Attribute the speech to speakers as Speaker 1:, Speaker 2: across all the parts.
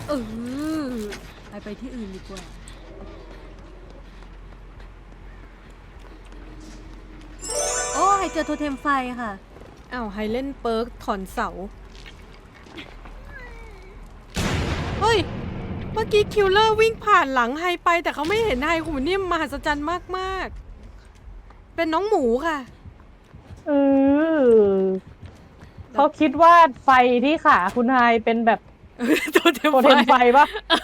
Speaker 1: เออไปที่อื่นดีกว่าโอ้ไฮเจอโทเทมไฟค่ะอ้าวไฮเล่นเปิร์กถอนเสาเฮ้ยเมื่อกี้คิลเลอร์วิ่งผ่านหลังไฮไปแต่เขาไม่เห็นไฮคุณนิ่มมหัศจรรย์มากๆเป็นน้องหมูค่ะ
Speaker 2: เออเขาคิดว่าไฟที่ขาคุณไฮเป็นแบบ
Speaker 1: โทเทม
Speaker 2: โทเทมไฟปะ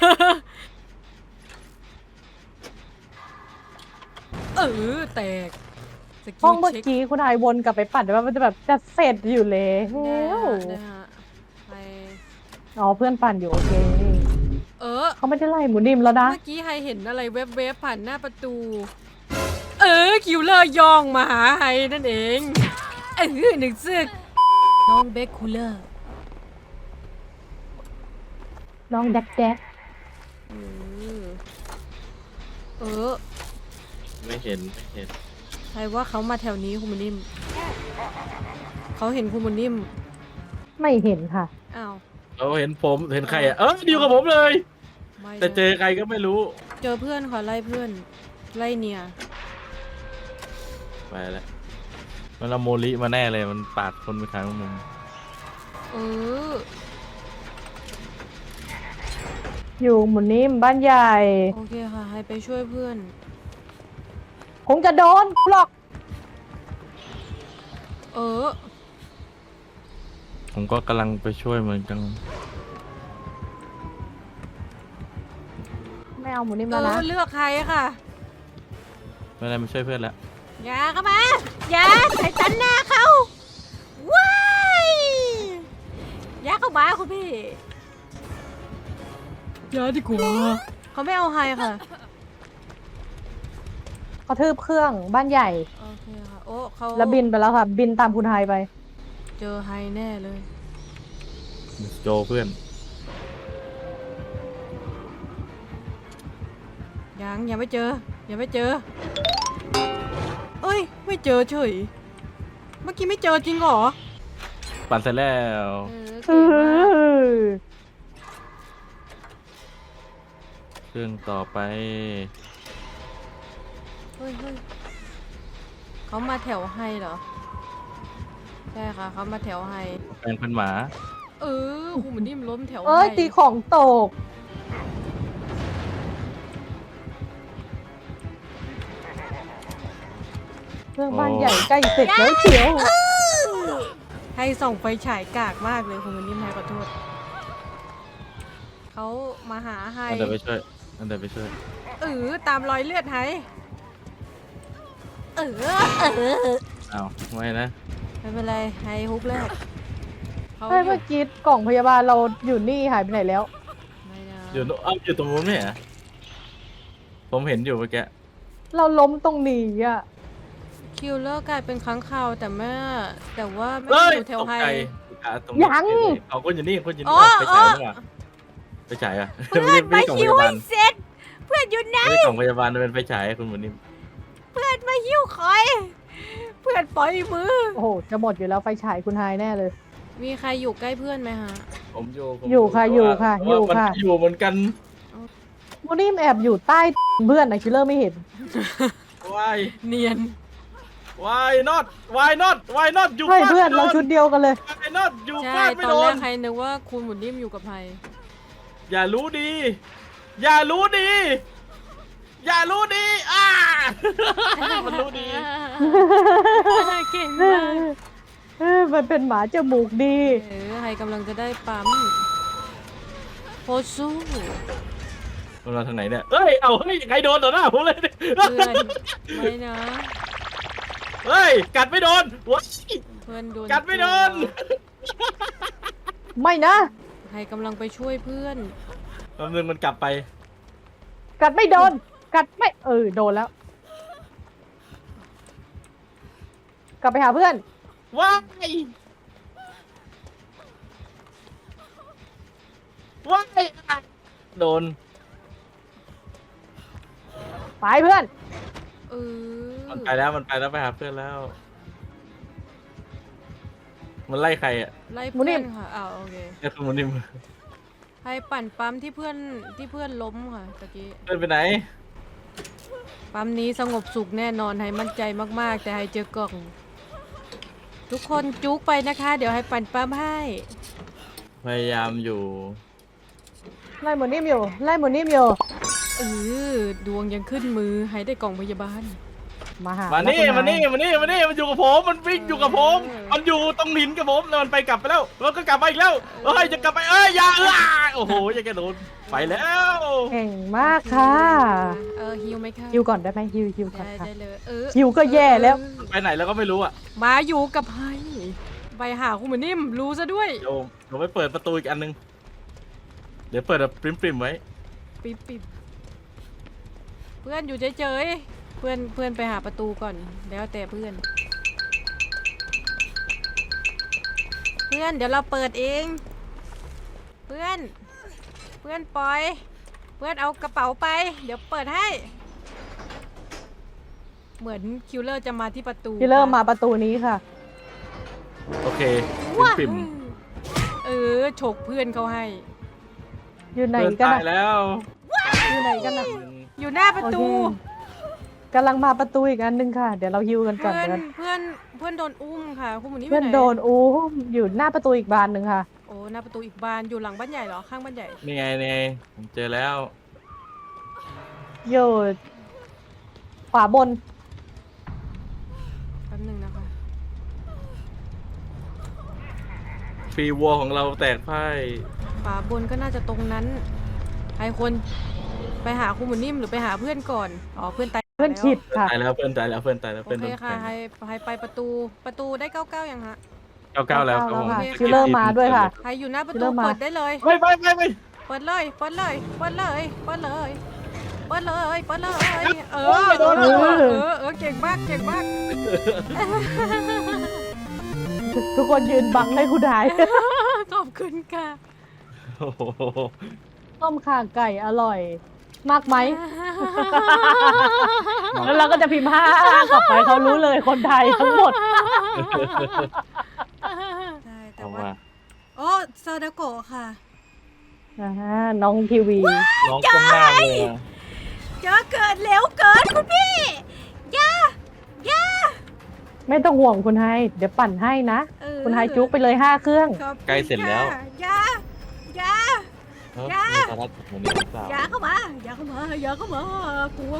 Speaker 1: เออแตกสกิ
Speaker 2: ห้อ
Speaker 1: ล
Speaker 2: งเมื่อ
Speaker 1: เช็ค
Speaker 2: กี้คุณไฮวนกลับไปปัดว่ามันจะแบบจะเสร็จอยู่แล้
Speaker 1: ได้
Speaker 2: ว
Speaker 1: ฮะไป
Speaker 2: อ๋อเพื่อนปั่นอยู่โอเค
Speaker 1: เ
Speaker 2: เขาไม่ได้ไล่หมูนิ่มแล้วนะ
Speaker 1: มื่อกี้ไฮเห็นอะไรแวบๆผ่านหน้าประตู คิวเลอร์ย่องมาหาไฮนั่นเองหนึ่งซึกน้องเบคคูเลอร์
Speaker 2: น้องแดกแดก
Speaker 1: อืมเออ
Speaker 3: ไม่เห็นไม่เห็น
Speaker 1: ไฮว่าเขามาแถวนี้คุณมุนิ่มเขาเห็นคุณมุนิ่ม
Speaker 2: ไม่เห็นค่ะ
Speaker 1: อ้าว
Speaker 3: เราเห็นผมเห็นใครอ่ะดีกับผมเลย
Speaker 1: ไม่
Speaker 3: แต่เจอใครก็ไม่รู้
Speaker 1: เจอเพื่อนค่ะไล่เพื่อนไล่เนีย
Speaker 3: ไปแล้วมันเอาโมลิมาแน่เลยมันปาดคนไปทางมุม
Speaker 1: เออ
Speaker 2: อยู่หมูนิ่มบ้านใหญ่
Speaker 1: โอเคค่ะไฮไปช่วยเพื่อน
Speaker 2: คงจะโดนหรอก
Speaker 1: เออ
Speaker 3: ผมก็กำลังไปช่วยเหมือนกัน
Speaker 2: ไม่เอาหมูนิ่มแล้วนะ
Speaker 1: เลือกใครค่ะ
Speaker 3: ไม่ได้มาช่วยเพื่อนแล้ว
Speaker 1: อย่าเข้ามาอย่าใส่ตันหน้าเขาว้ายอย่าเข้ามาคุณพี่อย่าดีกว่าเขาไม่เอาไฮค่ะ
Speaker 2: กระทืบเครื่องบ้านใหญ่
Speaker 1: โอเคค่ะโอ้เขา
Speaker 2: แล้วบินไปแล้วค่ะ บินตามคุณไฮไป
Speaker 1: เจอไฮแน่เลย
Speaker 3: โจเพื่อน
Speaker 1: ยังไม่เจอยังไม่เจอเอ้ยไม่เจอเฉยเมื่อกี้ไม่เจอจริงเหรอ
Speaker 3: ปั่นเสร็จแล้ว
Speaker 1: เก่งมาก
Speaker 3: เครื่องต่อไป
Speaker 1: เฮ้ยเขามาแถวไฮเหรอใช่ค่ะเขามาแถวไฮ
Speaker 3: แปลงเป็นหมา
Speaker 1: คุณเหมือนนิ่มล้มแถว
Speaker 2: เอ้ย
Speaker 1: ไฮ
Speaker 2: ตีของตก เครื่องบ้านใหญ่ใกล้เสร็จแล้วเชียว
Speaker 1: ให้ส่องไฟฉายกากมากเลยคุณเหมือนนิ่มให้ขอโทษเขามาหาไฮ
Speaker 3: อันเดินไปช่วยอันเดินไปช่วย
Speaker 1: ตามรอยเลือดไฮเออ
Speaker 3: อ้าวไม่นะ
Speaker 1: ไม่เป็นไรไฮฮุบแรกเขา
Speaker 2: ใช่เมื่อกี้กล่องพยาบาลเราอยู่นี่หายไปไหนแล้ว
Speaker 1: ไม่นะ
Speaker 3: อยู่นู้นอยู่ตรงนู้นไหมเหรอผมเห็นอยู่เมื่อกี้
Speaker 2: เราล้มตรงนี้อ่ะ
Speaker 1: คิลเลอร์กลายเป็นค้างคาวแต่ว่าไม่
Speaker 3: เฮ้
Speaker 1: ได้
Speaker 3: ย
Speaker 1: อยู่แถว
Speaker 3: ตก
Speaker 1: ไฮ
Speaker 3: ใจตรงนี้
Speaker 2: ยัง
Speaker 3: เขาคนอยู่นี่คนอยู่
Speaker 1: อ๋
Speaker 3: นี่
Speaker 1: อ
Speaker 3: ไปฉายดีกว่าไปฉายอ่ะ
Speaker 1: เพื่อน
Speaker 3: ไม่
Speaker 1: มา
Speaker 3: ใช่กล่อง
Speaker 1: หิ
Speaker 3: พ
Speaker 1: วย
Speaker 3: า
Speaker 1: ให้
Speaker 3: บาล
Speaker 1: เสร็จเพื่อนอยู่ไหน
Speaker 3: ไม่ใช่กล่องพยาบาลมันเป็นไฟฉายคุณหมูนิ่ม
Speaker 1: เพื่อนมาหิ้วคอยเพื่อนปล่อยมือ
Speaker 2: โอ้โห จะหมดอยู่แล้วไฟฉายคุณไฮแน่เลย
Speaker 1: มีใครอยู่ใกล้เพื่อนไหมฮะ
Speaker 3: ผมอยู่ผม
Speaker 2: อยู่ค่ะอยู่ค่ะ
Speaker 3: แต่
Speaker 2: อยู่
Speaker 3: ว่ามัน
Speaker 2: ค่ะ
Speaker 3: อยู่เหมือนกัน
Speaker 2: หมูนิ่มแอบอยู่ใต้เพื่อนนะคิลเลอร์ไม่เห็น
Speaker 3: วาย
Speaker 1: เนียน
Speaker 3: วายน็อตวายน็อตวายน็อตอยู่
Speaker 2: ใช่
Speaker 3: ฟาด
Speaker 2: เพื่อน
Speaker 3: ไม่โด
Speaker 2: เราชุดเดียวกันเลย
Speaker 3: วายน็อตอยู่
Speaker 1: ใช่
Speaker 3: ฟาดไม่
Speaker 1: ตอน
Speaker 3: โด
Speaker 1: แร
Speaker 3: น
Speaker 1: กใครนึกว่าคุณหมุนนิ่มอยู่กับไฮ
Speaker 3: อย่ารู้ดี อย่ารู้ดี อย่ารู้ดีมันรู้ดี
Speaker 1: เก่งมาก
Speaker 2: มันเป็นหมาจมูกดี
Speaker 1: ไฮกำลังจะได้ปั๊มโคสู้
Speaker 3: มันมาทางไหนเนี่ยเอ้ยเอาเฮ้ยใครโดนต่อหน้าผมเลยเนี่ย
Speaker 1: เพื่อนไม่นะ
Speaker 3: เฮ้ยกัดไม่โดนว้าย
Speaker 1: เพื่อนโดน
Speaker 3: กัดไม่โดน
Speaker 2: ไม่นะ
Speaker 1: ไฮกำลังไปช่วยเพื่อน
Speaker 3: แป๊บนึงมันกลับไป
Speaker 2: กัดไม่โดน กัดไม่โดนแล้ว กลับไปหาเพื่อน
Speaker 3: ว้ายว้ายโดน
Speaker 2: ไปเพื่อน
Speaker 1: เออ
Speaker 3: มันไปแล้วมันไปแล้วไปหาเพื่อนแล้ว มันไล่ใครอ่ะ
Speaker 1: ไล่เพื่อนค่ะอ้าวโอเค
Speaker 3: เนี่ยคือมันนี่
Speaker 1: ให้ปั่นปั๊มที่เพื่อนล้มค่ะตะกี้
Speaker 3: เดินไปไหน
Speaker 1: ปั๊มนี้สงบสุขแน่นอนให้มั่นใจมากๆแต่ให้เจอกล่อง ทุกคนจุกไปนะคะ เดี๋ยวให้ปั่นปั๊มให้
Speaker 3: พยายามอยู่
Speaker 2: ไล่หมุนนิ่มอยู่ไล่หมุนนิ่มอยู่
Speaker 1: เออดวงยังขึ้นมือให้ได้กล่องพยาบาล
Speaker 2: มาหา
Speaker 3: มา
Speaker 2: มา
Speaker 3: นี่มานี่มานี่มานี่มันอยู่กับผมมันวิ่งอยู่กับผม
Speaker 1: เออ
Speaker 3: มันอยู่ตรงหินกับผมแล้วมันไปกลับไปแล้วแล้วก็กลับมาอีกแล้วเอ้ยจะกลับไปอย่าโอ้โหอย่าแกโดนไปแล้ว
Speaker 2: เก่งมากค่ะ
Speaker 1: ฮิวไหมคะ
Speaker 2: ฮิวก่อนได้ไหมฮิวก่อน
Speaker 1: ได้
Speaker 2: ค่ะ
Speaker 1: ได้เลย
Speaker 2: ฮิวก็แย่แล้ว
Speaker 3: ไปไหนแล้วก็ไม่รู้อ่ะ
Speaker 1: มาอยู่กับไฮไปหาคุณหมือนิ่มรู้ซะด้วย
Speaker 3: เดี๋ยวไปเปิดประตูอีกอันนึงเดี๋ยวเปิดแบบปริมๆไว้
Speaker 1: ปิ๊บปิ๊บเพื่อนอยู่เฉยๆเพื่อนไปหาประตูก่อนแล้วแต่เพื่อน เพื่อนเดี๋ยวเราเปิดเอง เพื่อนปล่อย เพื่อนเอากระเป๋าไป เดี๋ยวเปิดให้ เหมือนคิวเลอร์จะมาที่ประตู
Speaker 2: ที่เริ่มมาประตูนี้ค่ะ
Speaker 3: โอเค
Speaker 1: ว้า
Speaker 3: ปริม
Speaker 1: ฉกเพื่อนเขาให้
Speaker 2: อยู่
Speaker 3: ๆ
Speaker 2: ไหน
Speaker 3: เดิน
Speaker 2: กัน
Speaker 3: ตาย
Speaker 2: นะ
Speaker 3: แล้ว
Speaker 2: อยู่ไหนกันนะ
Speaker 1: อยู่หน้าประ
Speaker 2: โอ
Speaker 1: ตู
Speaker 2: เคกำลังมาประตูอีกอันหนึงค่ะ เดี๋ยวเราฮิวกันก่อน
Speaker 1: เพื่อน
Speaker 2: เดี๋ยว
Speaker 1: เพื่อนโดนอุ้มค่ะ คุณหมูนี่
Speaker 2: เพื่อน
Speaker 1: ไปไห
Speaker 2: โดนอู้อยู่หน้าประตูอีกบานหนึ่งค่ะ
Speaker 1: โอ้หน้าประตูอีกบานอยู่หลังบ้านใหญ่เหรอข้างบ้านใหญ่
Speaker 3: นี่ไงนี่ไงผมเจอแล้ว
Speaker 2: อยู่ขวาบน
Speaker 1: แป๊บนึงนะคะ
Speaker 3: ฟรีวัวของเราแตกพ่าย
Speaker 1: ฝาบนก็น่าจะตรงนั้นใครคนไปหาคุณหมูนิ่มหรือไปหาเพื่อนก่อนอ๋อเพื่อนตาย
Speaker 2: เพื่อน
Speaker 1: แล้ว
Speaker 2: ขิดค่ะ
Speaker 3: ตายแล้วเพื่อนตายแล้วเพื่อนตายแล้ว
Speaker 1: โอ
Speaker 3: เพื่อน
Speaker 1: เค
Speaker 3: โดน
Speaker 1: ค่ะ
Speaker 3: แทง
Speaker 1: ให้ไปประตูได้99ยังฮะ
Speaker 3: เก้าแล้วครับผม
Speaker 2: ค่ะ
Speaker 1: โอเค
Speaker 2: คิลเลอร์มาด้วยค่ะ
Speaker 1: ใครอยู่หน้าประ
Speaker 2: เริ่
Speaker 1: ตู
Speaker 2: มมา
Speaker 1: เปิดได้เลย
Speaker 3: ไม่
Speaker 1: เปิดเลยเปิดเลยเปิดเลยเปิดเลยเปิดเลยเปิดเลยเก่งมากเก่งมาก
Speaker 2: ทุกคนยืนบังให้คุณหาย
Speaker 1: ขอบคุณค่ะ
Speaker 3: โอ้โห
Speaker 2: ต้มข่าไก่อร่อย มากไหม แล้วเราก็จะพิมพ์5กลับไปเขารู้เลยคนไทยทั้งหมด
Speaker 1: ใช่แต่
Speaker 3: เอา
Speaker 1: ว่า
Speaker 3: ว่า
Speaker 1: โอ้ซาดาโกะค่ะ
Speaker 2: น้องทีวี
Speaker 3: น้องก้มหน้าเลยอะ
Speaker 1: เจอเกิดเร็วเกินคุณพี่ย่า
Speaker 2: ไม่ต้องห่วงคุณไฮเดี๋ยวปั่นให้นะ คุณไฮจุกไปเลย5 เครื่อง
Speaker 1: ขอบคุณ
Speaker 3: ใกล้เสร็จแล้ว
Speaker 1: ค่ะย่า
Speaker 3: เฮ้ย
Speaker 1: อย่า
Speaker 3: มีสาระผมนี่หรือเปล่า
Speaker 1: อย่าเข้ามากลัว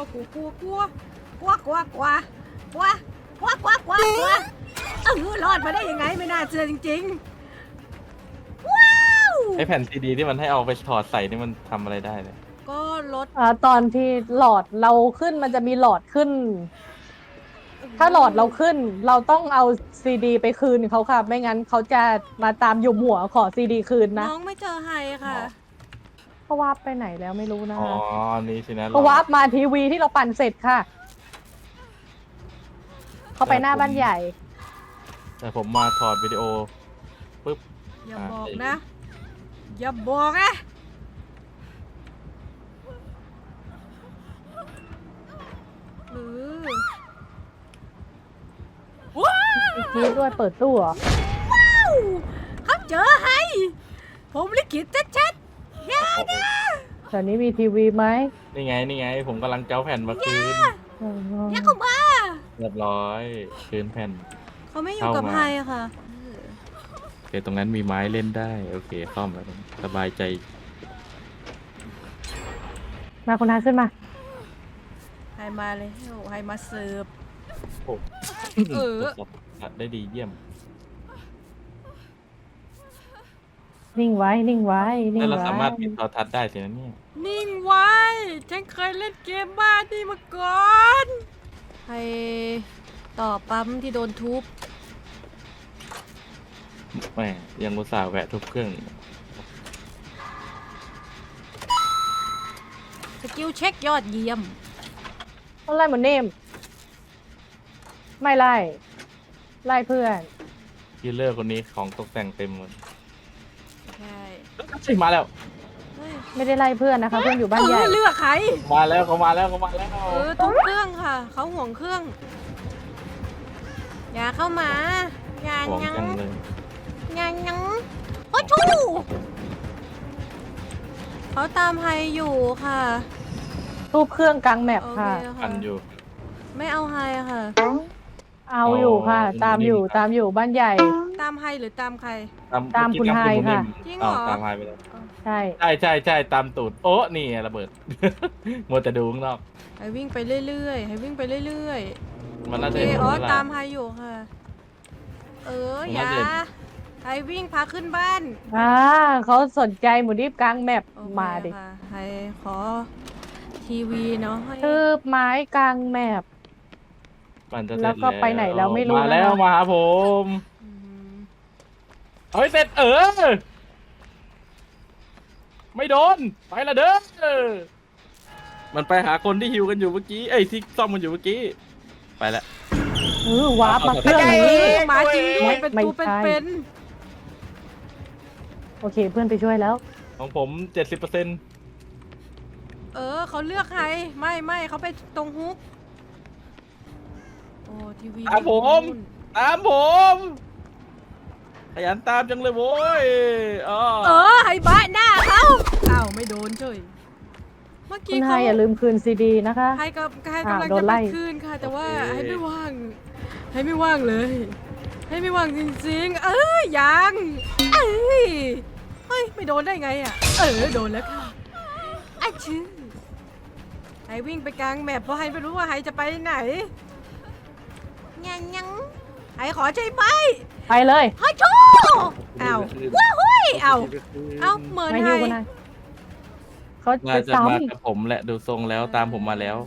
Speaker 1: รอดมาได้ยังไงไม่น่าเชื่อจริงๆว้าว
Speaker 3: ไอแผ่นซีดีที่มันให้เอาไปถอดใส่นี่มันทำอะไรได้เลย
Speaker 1: ก็ลด
Speaker 2: ตอนที่หลอดเราขึ้นมันจะมีหลอดขึ้น ถ้าหลอดเราขึ้น เราต้องเอาซีดีไปคืนเขาค่ะ ไม่งั้นเขาจะมาตามหยุมหัวขอซีดีคืนนะ
Speaker 1: น้องไม่เจอไฮค่ะ
Speaker 2: เขาวาร์ปไปไหนแล้วไม่รู้นะ
Speaker 3: อ๋อ
Speaker 2: คะ
Speaker 3: นี่สินะ
Speaker 2: เขาวาร์ปมาทีวีที่เราปั่นเสร็จค่ะ เขาไปหน้าบ้านใหญ่
Speaker 3: แต่ผมมาถอดวิดีโอปุ๊บ
Speaker 1: อย่าบอกนะ อย่าบอกนะเออว้าว
Speaker 2: นี่ด้วยเปิดตู้เหรอ
Speaker 1: เขาเจอไฮผมลิขิตชัดๆอย่านะ
Speaker 2: ตอนนี้มีทีวีไหม
Speaker 3: นี่ไง ผมกำลังเจ้าแผ่นมาคืน
Speaker 1: อย่าเข้ามา
Speaker 3: เรียบร้อยคืนแผ่น
Speaker 1: เขาไม่อยู่กับ
Speaker 3: เข้ามา
Speaker 1: ไฮอะค่ะ
Speaker 3: โอเคตรงนั้นมีไม้เล่นได้ โอเคซ่อมแล้วสบายใจ
Speaker 2: มาคุณไฮขึ้นมา
Speaker 1: ไฮมาเลยไฮมาเสิร์ฟ
Speaker 3: โอ้
Speaker 1: เออ
Speaker 3: ตรวจสอบได้ดีเยี่ยม
Speaker 2: นิ่งไว้ นิ่งไว้ นิ่
Speaker 3: แล้ว
Speaker 2: ง
Speaker 3: เรา
Speaker 2: ไว้
Speaker 3: สามารถปิดโทรทัศน์ได้สินะเนี่ย
Speaker 1: นิ่งไว้ ฉันเคยเล่นเกมบ้านี่มาก่อน ให้ต่อปั๊มที่โดนทุบ
Speaker 3: แหมยังอุตส่าห์แวะทุบเครื่อง
Speaker 1: สกิลเช็คยอดเยี่ยม
Speaker 2: ต้องไล่หมดเนม ไม่ไล่ ไล่เพื่อน
Speaker 3: คิลเลอร์คนนี้ของตกแต่งเต็มหมด
Speaker 1: ใช่
Speaker 3: ใช่มาแล้ว
Speaker 1: เฮ้ย
Speaker 2: ไม่ได้ไล่เพื่อนนะคะ เพื่อนอยู่บ้านใหญ่
Speaker 1: เลือกใคร
Speaker 3: มาแล้วเขามาแล้ว
Speaker 1: ทุบเครื่องค่ะ เขาห่วงเครื่อง อย่าเข้ามา อย่า
Speaker 3: ห่วง
Speaker 1: ยัง
Speaker 3: จังเลย
Speaker 1: อย่ายังโอ้ชูเขาตามไฮอยู่ค่ะ
Speaker 2: รูปเครื่องกลางแมป
Speaker 1: โอเค
Speaker 2: ค่ะ
Speaker 3: อั
Speaker 1: ค่ะ
Speaker 3: นอยู่
Speaker 1: ไม่เอาไฮอะค่ะ
Speaker 2: เอาอยู่ค่ะ
Speaker 3: อ๋อ
Speaker 2: ตามอยู่ตามอยู่บ้านใหญ่
Speaker 1: ตามไฮหรือตามใคร
Speaker 2: ตามคุณไฮค่ะ
Speaker 1: จริงเหรอ
Speaker 3: ตามไฮไปแล้ว
Speaker 2: ใช่
Speaker 3: ใช่ตามตูดโอ้นี่ไงระเบิด มัวแต่ดูข้างนอก
Speaker 1: ไฮวิ่งไปเรื่อยๆไฮวิ่งไปเรื่อย
Speaker 3: มัน
Speaker 1: ๆ
Speaker 3: น่า
Speaker 1: โอ
Speaker 3: จะ
Speaker 1: เค
Speaker 3: เห็น
Speaker 1: อ๋อ
Speaker 3: แล้วล่ะ
Speaker 1: ตามไฮอยู่ค่ะ
Speaker 3: ผม
Speaker 1: อย่า
Speaker 3: น่าจะเห็น
Speaker 1: ไฮวิ่งพาขึ้นบ้าน
Speaker 2: เขาสนใจหมูดิบกลางแมป
Speaker 1: โอเค
Speaker 2: มาดิ
Speaker 1: ค่ะไฮขอทีวีเนาะให้
Speaker 2: ทืบไม้กลางแมป
Speaker 3: มันจะเสร็จ
Speaker 2: แล้วก็ไปไหนแล้วไม่รู้
Speaker 3: มาแล้ว
Speaker 2: นะคะ
Speaker 3: มาหาผม
Speaker 1: อืม
Speaker 3: เฮ้ยเสร็จไม่โดนไปละเด้อมันไปหาคนที่ฮิวกันอยู่เมื่อกี้เอ้ยที่ซ่อมกันอยู่เมื่อกี้ไปแล้ว
Speaker 2: วาร์ปมาเครื่อง
Speaker 1: เอ
Speaker 2: นี้
Speaker 1: อมาจริงด้วยเป็น
Speaker 2: ไม่
Speaker 1: ตัว
Speaker 2: ใช่
Speaker 1: เป็น
Speaker 2: โอเคเพื่อนไปช่วยแล้ว
Speaker 3: ของผม 70%
Speaker 1: เขาเลือกไฮไม่เขาไปตรงฮุกโอ้ทีวี
Speaker 3: ตามผม
Speaker 1: นู่น
Speaker 3: ตามผมขยันตามจังเลยโว้ยอ๋อ
Speaker 1: ไฮบ้าหน้าเขาอ้าวไม่โดนเฉยเมื่อ
Speaker 2: คุ
Speaker 1: กี้
Speaker 2: ณไฮ
Speaker 1: เขา
Speaker 2: อย่าลืมคืนซีดีนะคะ
Speaker 1: ไฮกับไฮกำลัง
Speaker 2: โด
Speaker 1: จะ
Speaker 2: น
Speaker 1: ไป
Speaker 2: ไล่
Speaker 1: คืนค่ะ แต่ว่าไฮไม่ว่างไฮไม่ว่างเลยไฮไม่ว่างจริงๆยังเฮ้ยไม่โดนได้ไงอ่ะโดนแล้วค่ะไอ้ชื่อไฮวิ่งไปกลางแมปเพราะไฮไม่รู้ว่าไฮจะไปไหนยังไฮขอใช่ไหม
Speaker 2: ไปเลย
Speaker 1: ไฮชูอ้าวว้าหุ้ยอ้าวเหมือน
Speaker 2: ไม่
Speaker 1: ไฮ
Speaker 2: หิวคุณไฮเขา
Speaker 3: น่า
Speaker 2: จะ
Speaker 3: จะ
Speaker 2: ซ้
Speaker 3: มากับผมแหละดูทรงแล้วตามผมมาแล้ว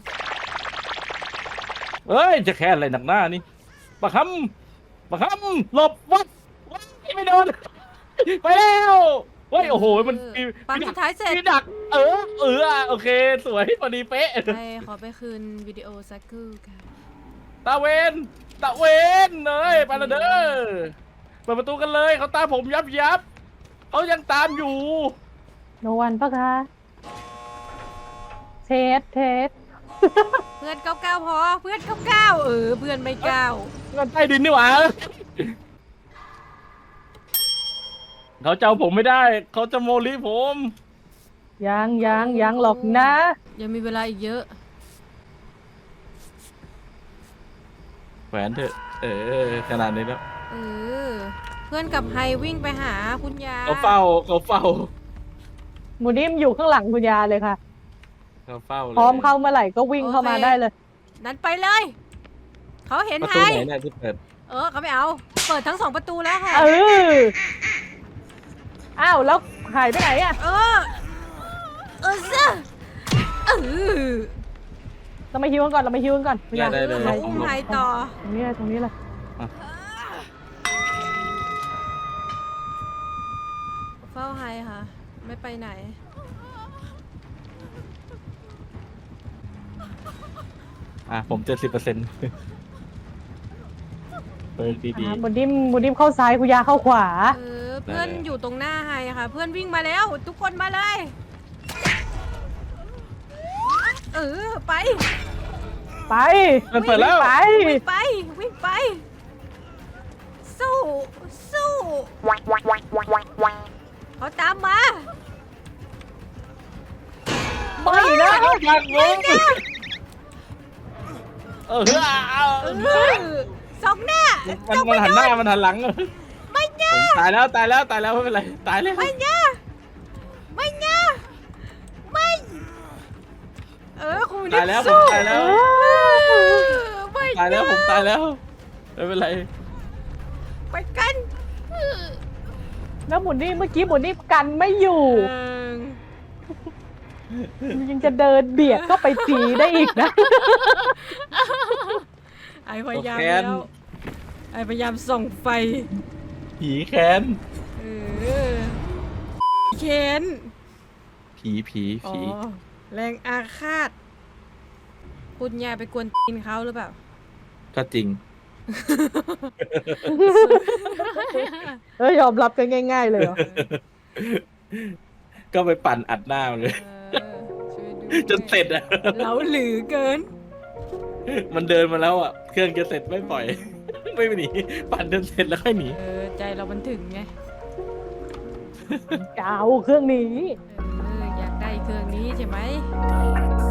Speaker 3: เอ้ยจะแค่อะไรหนักหน้านี่ปะคำหลบวัดไม่โดนไปแล้วเฮ้ยโอ้โหมันมี
Speaker 1: ปั๊มสุดท้ายเสร็จ
Speaker 3: มีดักโอเคสวยพอดีเป๊ะ
Speaker 1: ไฮขอไปคืนวิดีโอสักครู่ค่ะ
Speaker 3: ตาเวนเลยไปละเด้อเปิดประตูกันเลยเขาตามผมยับเขายังตามอยู่
Speaker 2: ำโนวันปะคะเทส
Speaker 1: เพื่อนเก้าพอเพื่อนเก้าเพื่อนไม่เก้า
Speaker 3: เงินใต้ดินนี่หว่าเขาจะเอาผมไม่ได้เขาจะโมลิผม
Speaker 2: ยังหรอกนะ
Speaker 1: ยังมีเวลาอีกเยอะ
Speaker 3: แหวนเถอะขนาดนี้แล้ว
Speaker 1: เพื่อนกับไฮวิ่งไปหาคุณยา
Speaker 3: เขาเฝ้า
Speaker 2: หมูดิมอยู่ข้างหลังคุณยาเลยค่ะ
Speaker 3: เลย
Speaker 2: พร้อมเข้าเมื่อไหร่ก็วิ่งเข้ามาได้เลย
Speaker 1: นั้นไปเลย เขาเห็น
Speaker 3: ประ
Speaker 1: ไฮ
Speaker 3: ตูไหนเนี่ยที่เปิด
Speaker 1: เขาไม่เอา เปิดทั้งสองประตูแล้วค่ะ
Speaker 2: อ้าวแล้วหายไปไหนอ่ะ
Speaker 1: เซะอ
Speaker 2: เรามาฮิวกันก่อนคุณยา
Speaker 3: ได้เลย
Speaker 1: เขาอุ้มไฮต่อ
Speaker 2: ตรงนี้เลย
Speaker 1: เฝ้าไฮค่ะ ไม่ไปไหน
Speaker 3: ผม 70%เปิดดี
Speaker 2: หมูดิมเข้าซ้ายคุณยาเข้าขวา
Speaker 1: เพื่อนอยู่ตรงหน้าไฮค่ะ เพื่อนวิ่งมาแล้ว ทุกคนมาเลย ไป
Speaker 2: ไป
Speaker 3: ๆมันเปิดแล้ว
Speaker 2: ไป
Speaker 1: วิ่งไป สู้เขาตามมา
Speaker 2: ไม่นะ
Speaker 3: เขาผลักผม
Speaker 1: สองหน้า
Speaker 3: มันหันหน้ามันหันหลัง
Speaker 1: ไม่เงี้ย
Speaker 3: ตายแล้วไม่เป็นไรตายแล้ว
Speaker 1: ไม่เงี้ยไม่คุณ
Speaker 3: ตายแล้วผมตายแล้ว
Speaker 1: ไม่
Speaker 3: ตายแล้วผมตายแล้วไม่เป็นไร
Speaker 1: ไปกัน
Speaker 2: แล้วหมูดิมเมื่อกี้หมูดิมกันไม่อยู่ ยังจะเดินเบียดก็ไปตีได้อีกนะ
Speaker 1: ไอพยายามแล้วไอพยายามส่องไฟ
Speaker 3: ผีแค้น
Speaker 1: เคน
Speaker 3: ผี
Speaker 1: อ๋อแรงอาฆาตคุณยายไปกวนตีนเขาหรือเปล่า
Speaker 3: ก็จริง
Speaker 2: ยอมรับกันง่าย ๆ เลยเหรอ
Speaker 3: ก็ไปปั่นอัดหน้ามันเลย
Speaker 1: ช่วยดู
Speaker 3: จนเสร็จอะ
Speaker 1: เราหลือเกิน
Speaker 3: มันเดินมาแล้วอะเครื่องจะเสร็จไม่ปล่อย ไม่หนีปั่นจนเสร็จแล้วค่อยหนี
Speaker 1: ใจเรามันถึงไง
Speaker 2: จะเอาเครื่องนี้
Speaker 1: อยากได้เครื่องนี้ใช่ไหม